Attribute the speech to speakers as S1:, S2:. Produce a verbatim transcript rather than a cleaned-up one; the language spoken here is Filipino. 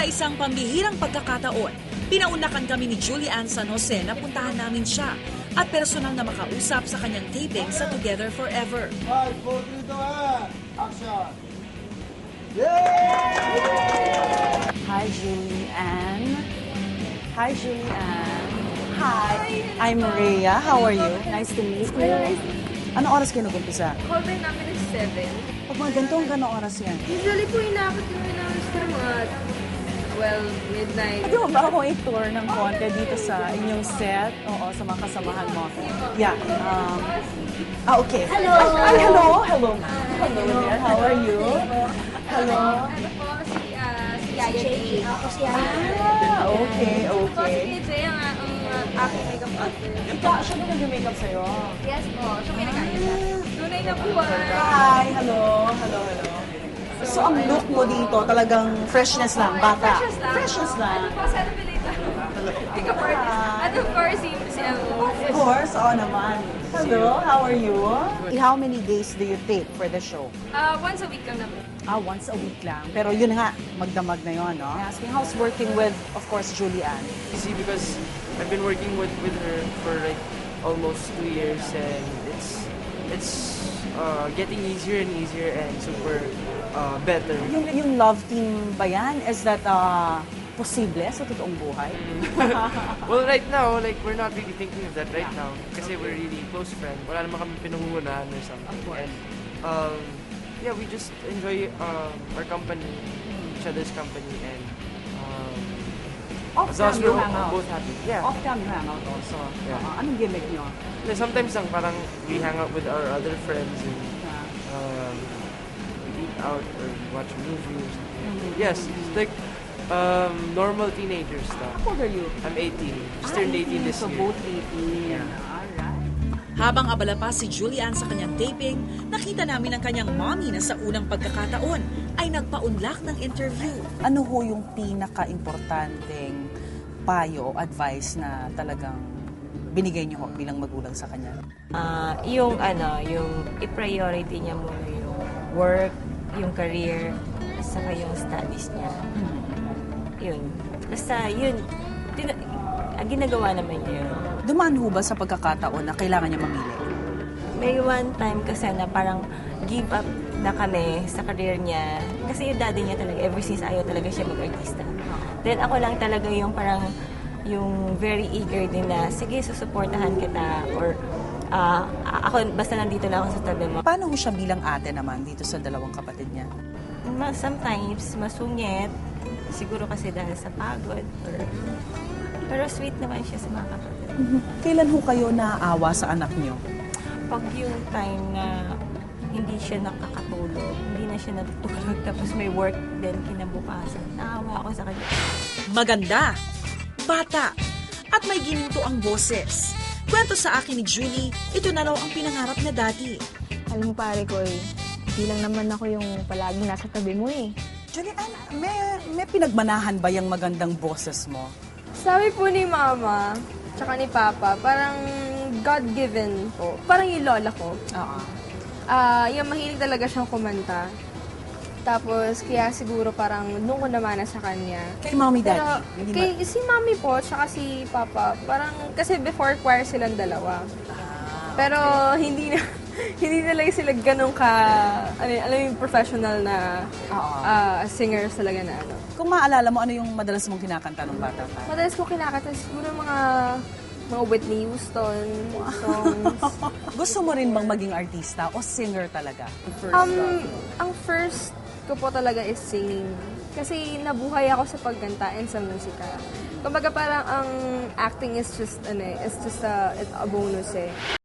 S1: isang pambihirang pagkakataon, pinaunakan kami ni Julian San Jose na puntahan namin siya at personal na makausap sa kanyang taping sa Together Forever.
S2: five, four, three, two, one, action!
S3: Hi, Julian. Hi, Julian. Hi, I'm Maria. How are you? Nice to meet you. Ano oras kayo nag-umpisa?
S4: Cover namin is seven.
S3: Pag mga ganito, gano'ng oras yan?
S4: Usually po inaabot kami ng siguro mga, well, midnight.
S3: Pwede mo ba akong i-tour ng konti dito sa inyong set? Oo, sa mga kasamahan mo. Yeah. Um, ah, okay. Hello! Ay, hello! Hello, ma'am. Hello there. How are you? Hello.
S4: Ano po, si, uh, si Yaya Jay. Ako si Yaya.
S3: Ah, okay,
S4: Po,
S3: okay.
S4: si Jay ang, ang uh, aking makeup artist.
S3: Ikaw, siya ba nag-makeup sa'yo?
S4: Yes po, siya may nag-ayos. Tunay na buwan.
S3: Hi! Hello! Hello, hello. So, ang look mo dito, talagang freshness lang, bata.
S4: Freshness lang.
S3: Freshness lang.
S4: Ano po, celebrate lang. Makeup artist. At of course, si, si Elmo.
S3: Of course, oo naman. Hello, how are you? How many days do you take for the show?
S4: Uh, once a week lang na po.
S3: Ah, once a week lang. Pero yun nga, magdamag na yun, no? Asking, how's working with, of course, Julian?
S5: Easy because I've been working with, with her for like almost two years and it's it's uh, getting easier and easier and super uh, better.
S3: Yung, yung love team ba yan? Is that uh, posible sa totoong buhay?
S5: Well, right now, like we're not really thinking of that right now kasi we're really close friends. Wala naman kami pinangungunahan or something.
S3: Of course.
S5: And, um, yeah, we just enjoy um, our company, each other's company, and um, as long
S3: Off-cam
S5: as
S3: you
S5: we're
S3: hang out?
S5: both happy. Yeah.
S3: Off-cam you hang out also?
S5: Yeah.
S3: Uh, anong gimmick nyo?
S5: Yeah, sometimes lang parang we hang out with our other friends and
S3: Uh,
S5: um, we eat out or watch a movie or something.
S3: Mm-hmm.
S5: Yes, it's like um, normal teenager stuff.
S3: how old are you?
S5: I'm eighteen. Just turned eighteen this
S3: so
S5: year.
S3: both eighteen.
S5: Yeah.
S3: Alright.
S1: Habang abala pa si Julian sa kanyang taping, nakita namin ang kanyang mommy na sa unang pagkakataon ay nagpaunlak ng interview.
S3: Ano ho yung pinaka-importanteng payo o advice na talagang binigay niyo ho bilang magulang sa kanya?
S6: Ah, yung ano, yung i-priority niya muna yung work, yung career, saka yung studies niya. Yun. Basta yun, tin- ah, ginagawa naman niya yun.
S3: Dumaan ho ba sa pagkakataon na kailangan niya mamili?
S6: May one time kasi na parang give up na kami sa career niya. Kasi yung daddy niya talaga, ever since ayaw talaga siya mag-artista. Then ako lang talaga yung parang, yung very eager din na, sige, susuportahan kita. Or, ah, ako, basta nandito lang ako sa tabi mo.
S3: Paano ho siya bilang ate naman dito sa dalawang kapatid niya?
S6: Ma- sometimes, masungit. Siguro kasi dahil sa pagod. Or, pero sweet naman siya sa mga kapatid.
S3: Kailan ho kayo naaawa sa anak niyo?
S6: Pag yung time na hindi siya nakakatulog, hindi na siya natutulog, tapos may work din kinabukasan, naawa ako sa kanya.
S1: Maganda, bata, at may gininto ang boses. Kwento sa akin ni Julie, ito na raw ang pinangarap na dati.
S7: Alam mo pare ko eh, di lang naman ako yung palaging nasa tabi mo eh.
S3: Julian, may, may pinagmanahan ba yung magandang boses mo?
S4: Sabi po ni Mama, tsaka ni Papa, parang God-given po. Parang yung lola ko.
S3: Oo.
S4: Ah, yung mahilig talaga siyang kumanta. Tapos, kaya siguro parang nung ko namana sa kanya.
S3: Kay mommy, daddy?
S4: Pero,
S3: Hindi
S4: kay,
S3: ba-
S4: si Mami po, tsaka si Papa, parang, kasi before choir silang dalawa. Pero, hindi na, hindi na lang sila ganun ka, ano, yun, alam mo yung professional na
S3: Oo.
S4: ah, singers talaga na ano.
S3: Kung maalala mo, ano yung madalas mong kinakanta nung bata ka?
S4: Madalas ko kinakanta siguro mga mga Whitney Houston songs.
S3: Gusto mo rin bang maging artista o singer talaga?
S4: Um, ang first ko po talaga is singing. Kasi nabuhay ako sa pagkanta and sa musika. Kumbaga parang ang acting is just ano, eh, is just a, a bonus eh.